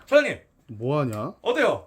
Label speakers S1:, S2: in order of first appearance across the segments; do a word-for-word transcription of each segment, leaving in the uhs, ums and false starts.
S1: 사장님
S2: 뭐하냐?
S1: 어때요?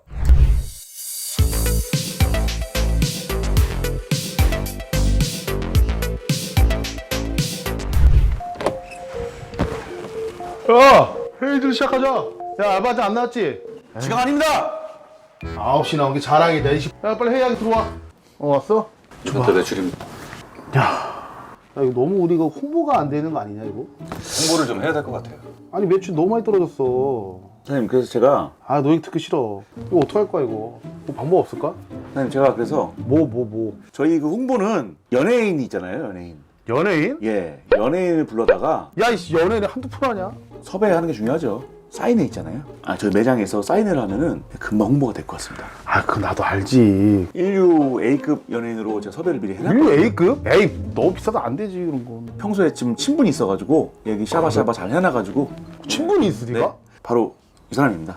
S2: 야! 회의들 시작하자. 야, 알바 아직 안 나왔지?
S1: 지각 아닙니다.
S2: 아홉 시 나온 게 자랑이다. 이 씨. 야, 빨리 회의하게 들어와. 어, 왔어?
S1: 이번 달 매출입니다.
S2: 야, 야, 이거 너무 우리가 홍보가 안 되는 거 아니냐, 이거?
S1: 홍보를 좀 해야 될 것 같아요.
S2: 아니, 매출 너무 많이 떨어졌어.
S3: 사장님, 그래서 제가
S2: 아, 너 얘기 듣기 싫어. 이거 어떡할 거야, 이거? 뭐 방법 없을까?
S3: 사장님 제가 그래서
S2: 뭐, 뭐, 뭐.
S3: 저희 그 홍보는 연예인 있잖아요, 연예인.
S2: 연예인?
S3: 예, 연예인을 불러다가
S2: 야, 이씨, 연예인이 한두 푼 하냐?
S3: 섭외하는 게 중요하죠. 사인회 있잖아요. 아, 저희 매장에서 사인회를 하면은 금방 홍보가 될 것 같습니다.
S2: 아, 그거 나도 알지.
S3: 인류 A급 연예인으로 제가 섭외를 미리 해놨거든요.
S2: 인류 A급? 에이, 너무 비싸다 안 되지, 그런 건.
S3: 평소에 지금 친분이 있어가지고 여기 샤바샤바 잘 해놔가지고
S2: 친분이 있어, 네가?
S3: 네, 바로 이 사람입니다.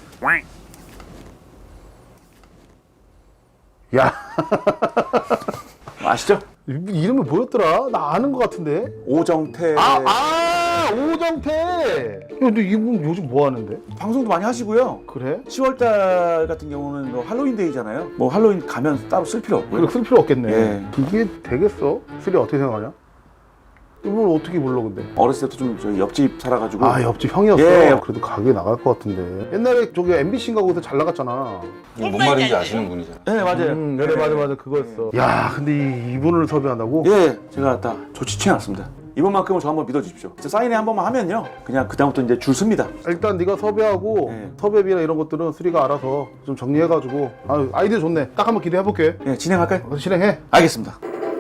S2: 야,
S3: 아시죠?
S2: 이- 이름이 뭐였더라? 나 아는 것 같은데?
S3: 오정태.
S2: 아, 아, 오정태! 야, 근데 이분 요즘 뭐 하는데?
S3: 방송도 많이 하시고요.
S2: 그래?
S3: 시월달 같은 경우는 뭐 할로윈데이잖아요. 뭐 할로윈 가면 따로 쓸 필요 없고요.
S2: 그래, 쓸 필요 없겠네.
S3: 예.
S2: 이게 되겠어? 쓰리 어떻게 생각하냐? 이분 어떻게 불러, 근데?
S3: 어렸을 때도 좀 저희 옆집 살아가지고
S2: 아, 옆집 형이었어?
S3: 예.
S2: 그래도 가게 나갈 것 같은데. 옛날에 저기 엠비씨인가 거기서 잘 나갔잖아.
S1: 뭔 말인지 아시는 분이잖아요.
S3: 네 맞아요.
S2: 음, 그래, 맞아, 맞아. 그거였어. 야, 근데 이, 이분을 섭외한다고?
S3: 예, 제가 다 조치 취해놨습니다. 이번만큼은 저 한번 믿어주십시오. 진짜 사인회 한 번만 하면요, 그냥 그다음부터 이제 줄 섭니다.
S2: 일단 네가 섭외하고
S3: 네.
S2: 섭외비나 이런 것들은 쓰리가 알아서 좀 정리해가지고. 아, 아이디어 좋네. 딱 한번 기대해볼게.
S3: 예, 진행할까요?
S2: 어, 실행해.
S3: 알겠습니다.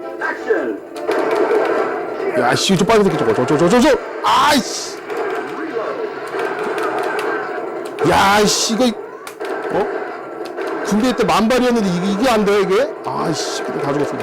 S2: 야, 씨, 저 빨간 새끼 저거, 저, 저, 저, 저, 저, 아이씨. 야, 씨, 이거, 어? 군대 때 만발이었는데 이게, 이게 안 돼, 이게? 아이씨, 근데 다 죽었어.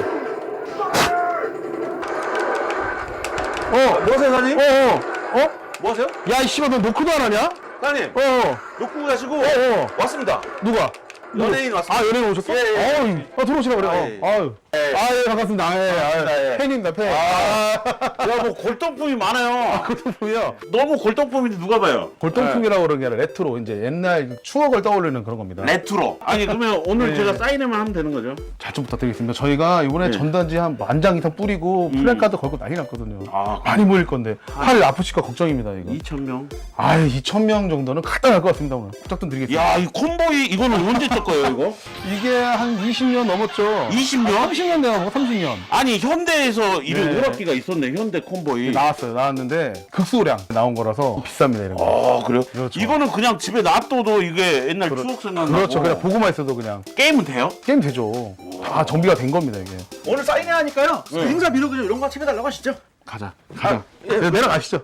S2: 어,
S3: 뭐하세요, 사장님?
S2: 어, 어, 어?
S3: 뭐하세요?
S2: 야, 이 씨발, 너 노크도 안 하냐?
S3: 사장님,
S2: 어, 어,
S3: 놓고 가시고
S2: 어, 어.
S3: 왔습니다.
S2: 누가?
S3: 연예인 왔습니다.
S2: 아, 연예인 오셨어?
S3: 예, 예.
S2: 어우, 아, 들어오시라 그래.
S3: 아,
S2: 어.
S3: 예.
S2: 아유.
S3: 예.
S2: 아, 예, 반갑습니다. 아, 예,
S3: 반갑습니다,
S2: 아,
S3: 예.
S2: 팬입니다, 팬.
S3: 야, 뭐 골동품이 많아요.
S2: 골동품이요?
S3: 너무 골동품인데 누가 봐요?
S2: 골동품이라고 그러는 게 아니라 레트로, 이제 옛날 추억을 떠올리는 그런 겁니다.
S3: 레트로. 아니 그러면 오늘
S2: 네.
S3: 제가 사인회만 하면 되는 거죠?
S2: 잘 좀 부탁드리겠습니다. 저희가 이번에
S3: 네.
S2: 전단지 한 만 장 이상 뿌리고 플랜카드 걸고 난리 났거든요.
S3: 아,
S2: 많이 모일 건데 팔 아프실까 걱정입니다, 이거.
S3: 이천 명.
S2: 아유, 이천 명 정도는 갖다 날 것 같습니다, 오늘. 부탁 좀 드리겠습니다.
S3: 야, 이 콤보이 이거는 언제 뜰 거예요, 이거?
S2: 이게 한 이십 년 넘었죠.
S3: 이십 년?
S2: 삼십 년 내가 뭐 삼십 년.
S3: 아니 현대에서 이런
S2: 네.
S3: 오락기가 있었네, 현대 콤보이.
S2: 나왔어요. 나왔는데 극소량 나온 거라서 비쌉니다, 이런 거.
S3: 아 그래요?
S2: 그렇죠.
S3: 이거는 그냥 집에 놔둬도 이게 옛날 추억 생각나고.
S2: 그렇죠. 그냥 보고만 있어도 그냥
S3: 게임은 돼요?
S2: 게임 되죠. 다 정비가 된 겁니다, 이게.
S3: 오늘 사인회 하니까요.
S2: 네.
S3: 행사 비록 그냥 이런 거 같이 해달라고 하시죠.
S2: 가자. 가자. 네, 내려가시죠.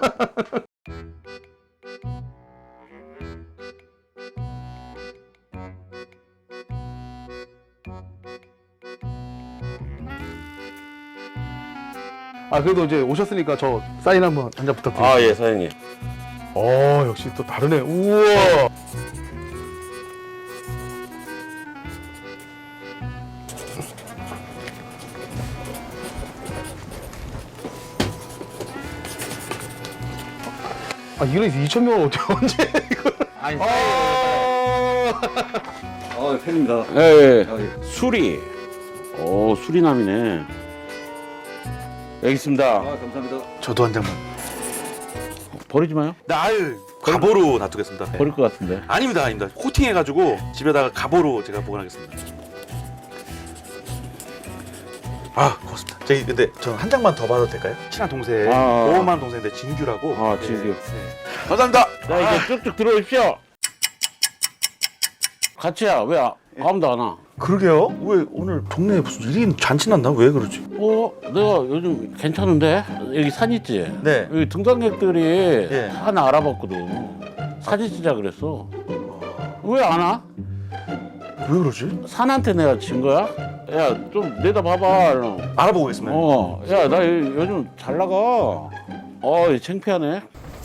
S2: 아, 그래도 이제 오셨으니까 저 사인 한번 한 잔 부탁드립니다.
S3: 아 예, 사장님.
S2: 어, 역시 또 다르네. 우와. 아, 이런 이천 명을 어떻게 언제 이걸?
S3: 아니,
S2: 아.
S1: 아 팬입니다.
S3: 예, 예.
S1: 아, 예.
S3: 수리. 오, 수리남이네. 여기 있습니다.
S1: 아 감사합니다.
S2: 저도 한 장만.
S3: 버리지 마요.
S4: 날 갑오로 놔두겠습니다.
S3: 버릴 것 같은데.
S4: 아닙니다, 아닙니다. 코팅해가지고 집에다가 갑오로 제가 보관하겠습니다. 아, 고맙습니다. 저희 근데 저 한 장만 더 받아도 될까요? 친한 동생,
S3: 아.
S4: 보험하는 동생인데 진규라고.
S3: 아, 진규.
S4: 네. 감사합니다.
S3: 자, 이제 쭉쭉 들어오십시오. 같이야, 왜 아, 아무도 안 와?
S4: 그러게요. 왜 오늘 동네에 무슨 일이 잔치 났나? 왜 그러지?
S3: 어, 내가 요즘 괜찮은데? 여기 산 있지?
S4: 네.
S3: 여기 등산객들이
S4: 예.
S3: 하나 알아봤거든. 사진 찍자 그랬어. 왜 안 와?
S4: 왜 그러지?
S3: 산한테 내가 진 거야? 야, 좀 내다봐봐. 이러면.
S4: 알아보고 있습니다.
S3: 어, 야, 나 요- 요즘 잘 나가. 어, 이 창피하네.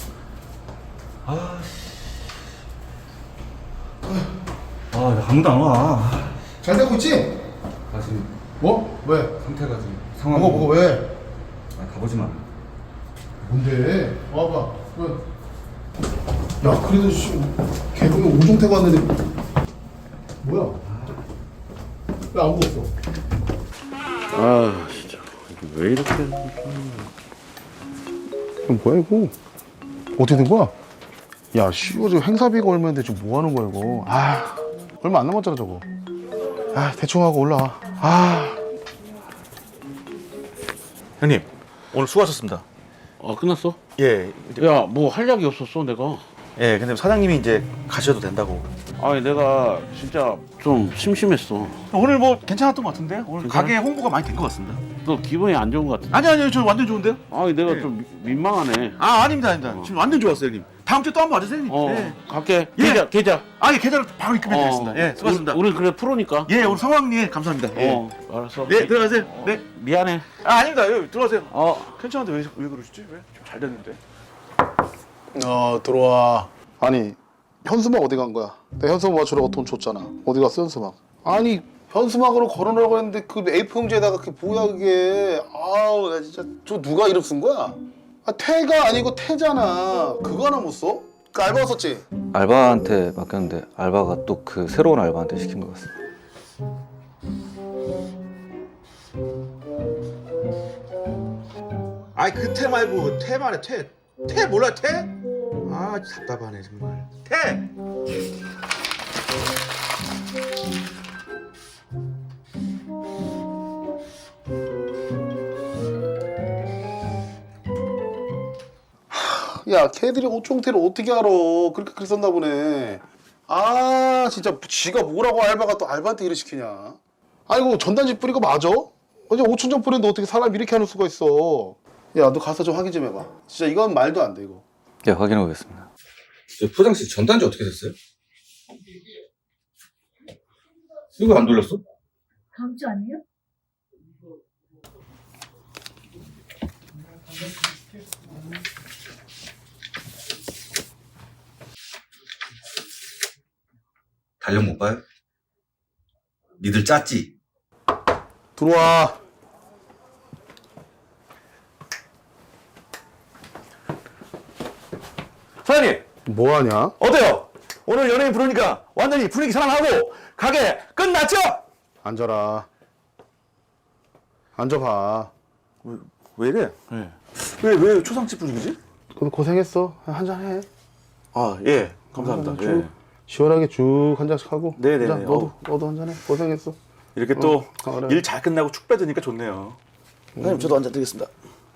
S1: 아 아무도 안 와.
S2: 잘 되고 있지?
S1: 아 지금
S2: 뭐? 왜?
S1: 상태가 지금 상황.
S2: 뭐가 뭐가 왜?
S1: 아, 가보지 마.
S2: 뭔데? 와봐. 왜? 야, 그래도 씨, 개 여기 오종태가 왔는데 뭐야? 왜 아무도 없어?
S5: 아 진짜 이게 왜 이렇게
S2: 이거 뭐야 이거? 어떻게 된 거야? 야, 씨, 이거 지금 행사비가 얼마인데 지금 뭐 하는 거야 이거? 아, 얼마 안 남았잖아 저거. 아, 대충 하고 올라와. 아,
S4: 형님 오늘 수고하셨습니다.
S5: 아 끝났어?
S4: 예, 이제-
S5: 야 뭐 할 약이 없었어 내가.
S4: 예, 근데 사장님이 이제 가셔도 된다고.
S5: 아니 내가 진짜 좀 심심했어.
S4: 오늘 뭐 괜찮았던 것 같은데요? 오늘
S5: 괜찮아?
S4: 가게 홍보가 많이 된 것 같습니다.
S5: 너 기분이 안 좋은 것 같아.
S4: 아니 아니요, 저 완전 좋은데요?
S5: 아니 내가
S4: 네.
S5: 좀 미- 민망하네.
S4: 아 아닙니다, 아닙니다. 지금 완전 좋았어요, 형님. 다음 주에 또 한 번 와주세요, 형님.
S5: 어
S4: 예.
S5: 갈게.
S4: 예.
S5: 계좌 계좌.
S4: 아, 예, 계좌로 바로 입금해드리겠습니다.
S5: 어,
S4: 예, 수고하셨습니다.
S5: 우리, 우리 그래 프로니까.
S4: 예, 오늘 성황리 감사합니다. 예.
S5: 어 알았어.
S4: 예, 들어가세요.
S5: 어,
S4: 네.
S5: 미안해.
S4: 아, 아닙니다. 예, 들어가세요.
S5: 어
S4: 괜찮은데 왜, 왜 그러시지? 왜? 좀 잘 됐는데.
S2: 어 들어와. 아니, 현수막 어디 간 거야? 내가 현수막 맞추라고 돈 줬잖아. 어디 갔어 현수막? 아니, 현수막으로 걸어놓으라고 했는데 그 에이포 용지에다가 그게 뭐야 그게? 아우, 나 진짜 저 누가 이름 쓴 거야? 아, 태가 아니고 태잖아. 그거 하나 못 써? 그 알바 썼지?
S1: 알바한테 맡겼는데 알바가 또 그 새로운 알바한테 시킨 것 같습니다.
S4: 아이, 그 태 말고 태 말해, 태. 태 몰라, 태? 아, 답답하네, 정말. 태!
S2: 야, 걔들이 오총태를 어떻게 알아? 그렇게 글 썼나 보네. 아, 진짜 지가 뭐라고 알바가 또 알바한테 일을 시키냐? 아이고, 전단지 뿌리고 맞아? 어제 오천장 뿌렸는데 어떻게 사람 이렇게 하는 수가 있어? 야, 너 가서 좀 확인 좀 해봐. 진짜 이건 말도 안 돼, 이거.
S1: 예, 확인해 보겠습니다.
S6: 포장지 전단지 어떻게 됐어요? 이거 안 돌렸어?
S7: 다음 주 아니에요?
S6: 달력 못 봐요? 니들 짰지?
S2: 들어와.
S3: 사장님
S2: 뭐하냐?
S3: 어때요? 오늘 연예인 부르니까 완전히 분위기 살아나고 가게 끝났죠?
S2: 앉아라. 앉아봐.
S3: 왜 이래? 왜 왜 초상집 분위기지?
S2: 그래도 고생했어. 한잔 해.
S3: 아, 예, 감사합니다.
S2: 쭉
S3: 예.
S2: 시원하게 쭉 한 잔씩 하고.
S3: 네네네.
S2: 자, 너도
S3: 어.
S2: 너도 한 잔 해. 고생했어.
S3: 이렇게 또
S2: 어, 그래.
S3: 일 잘 끝나고 축 빼드니까 좋네요. 사장님 저도 한잔 드리겠습니다.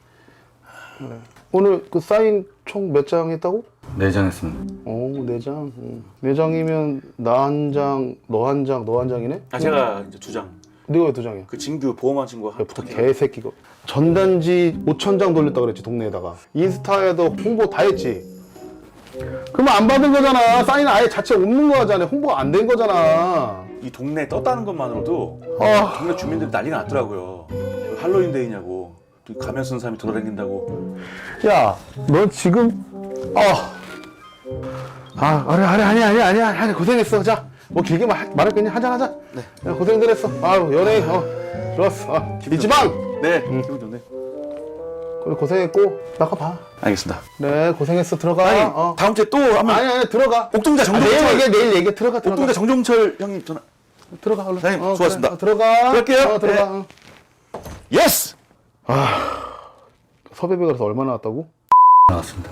S2: 오늘 그 사인 총 몇 장 했다고?
S1: 내장했습니다.
S2: 오, 네 장. 응. 네 장이면 나 한 장, 너 한 장, 너 한 장이네?
S3: 아 제가 이제 두 장.
S2: 네가 왜 두 장이야?
S3: 그 진규 보험한 친구가 한
S2: 부터 개새끼가. 전단지 오천 장 돌렸다 그랬지, 동네에다가. 인스타에도 홍보 다 했지. 그러면 안 받은 거잖아. 사인 아예 자체 없는 거잖아. 홍보가 안 된 거잖아.
S3: 이 동네에 떴다는 것만으로도
S2: 아,
S3: 동네 주민들이 난리가 났더라고요. 할로윈데이냐고 또 가면 쓴 사람이 돌아다닌다고.
S2: 야, 너 지금 아, 아, 아니, 아니, 아니, 아니, 아니, 아니, 고생했어. 자, 뭐 길게 말, 말할 거니 한잔 하자. 네. 야, 고생들 했어. 아유, 연예인, 어, 좋았어. 아, 이지방.
S3: 네, 기분 좋네.
S2: 그래, 고생했고 나가봐.
S3: 알겠습니다.
S2: 네, 고생했어. 들어가.
S3: 아니
S2: 어.
S3: 다음 주에 또 한번
S2: 아니, 아니, 들어가.
S3: 옥동자
S2: 아,
S3: 정동철
S2: 내일 얘기해, 내일 얘기해. 들어가, 들어가.
S3: 옥동자 정종철 형님 전화.
S2: 들어가, 얼른.
S3: 사장님,
S2: 어,
S3: 수고하셨습니다.
S2: 그래. 어, 들어가.
S3: 들어갈게요.
S2: 어, 들어가.
S3: 네.
S2: 어.
S3: 예스.
S2: 섭외비가 그래서 얼마 나왔다고?
S1: 나왔습니다.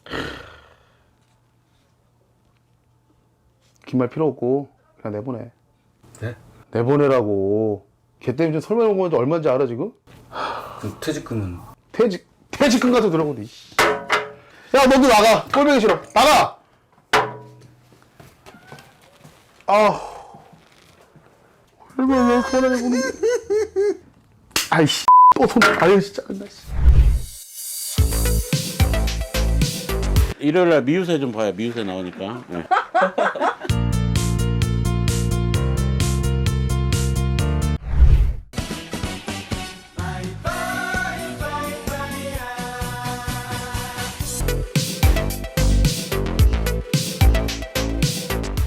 S2: 긴 말 필요 없고 그냥 내보내.
S1: 네?
S2: 내보내라고. 걔 때문에 지금 설명 온 건지 얼마인지 알아 지금?
S1: 그 퇴직금은
S2: 퇴직 퇴직금 같은 들어오고. 야, 너도 나가. 꼴보기 싫어. 나가. 아, 얼마나 왜 그러냐 보니. 아이씨, 또 손. 아유 진짜. 나 씨.
S5: 일요일날 미우새 좀 봐요. 미우새 나오니까. 네.